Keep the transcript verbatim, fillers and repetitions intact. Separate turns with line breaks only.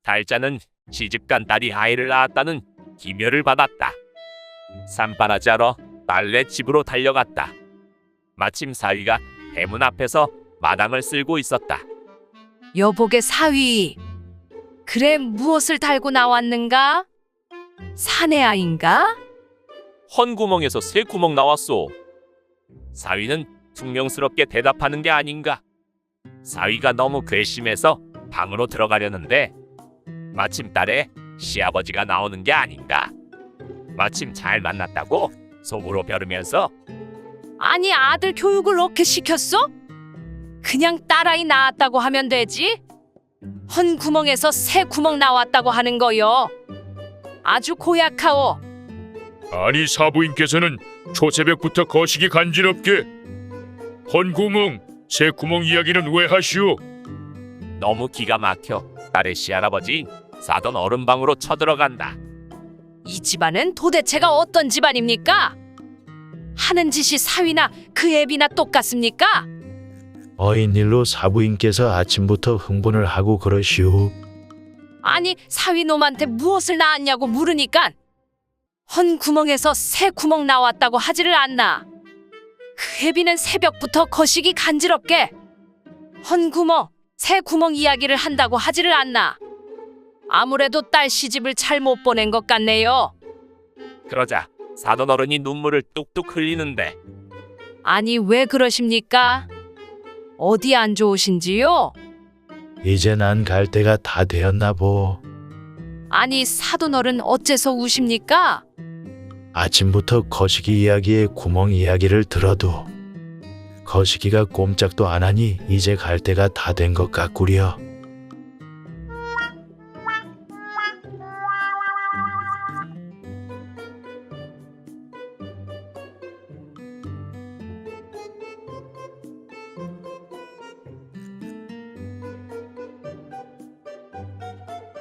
달자는 시집간 딸이 아이를 낳았다는 기묘를 받았다. 산바라지하러 딸네 집으로 달려갔다. 마침 사위가 대문 앞에서 마당을 쓸고 있었다.
여보게 사위, 그래 무엇을 달고 나왔는가? 사내 아인가?
헌구멍에서 새 구멍 나왔소. 사위는 퉁명스럽게 대답하는 게 아닌가. 사위가 너무 괘씸해서 방으로 들어가려는데 마침 딸의 시아버지가 나오는 게 아닌가. 마침 잘 만났다고 속으로 벼르면서
아니 아들 교육을 어떻게 시켰어? 그냥 딸아이 낳았다고 하면 되지. 헌 구멍에서 새 구멍 나왔다고 하는 거요. 아주 고약하오.
아니 사부인께서는 초새벽부터 거시기 간지럽게 헌구멍, 새구멍 이야기는 왜 하시오?
너무 기가 막혀 딸의 시할아버지 사돈 어른 방으로 쳐들어간다.
이 집안은 도대체가 어떤 집안입니까? 하는 짓이 사위나 그 애비나 똑같습니까?
어인일로 사부인께서 아침부터 흥분을 하고 그러시오.
아니 사위 놈한테 무엇을 낳았냐고 물으니까 헌 구멍에서 새 구멍 나왔다고 하지를 않나. 그 애비는 새벽부터 거시기 간지럽게 헌 구멍, 새 구멍 이야기를 한다고 하지를 않나. 아무래도 딸 시집을 잘 못 보낸 것 같네요.
그러자 사돈 어른이 눈물을 뚝뚝 흘리는데
아니 왜 그러십니까? 어디 안 좋으신지요?
이제 난 갈 때가 다 되었나 보.
아니 사돈어른 어째서 우십니까?
아침부터 거시기 이야기에 구멍 이야기를 들어도 거시기가 꼼짝도 안 하니 이제 갈 때가 다 된 것 같구려.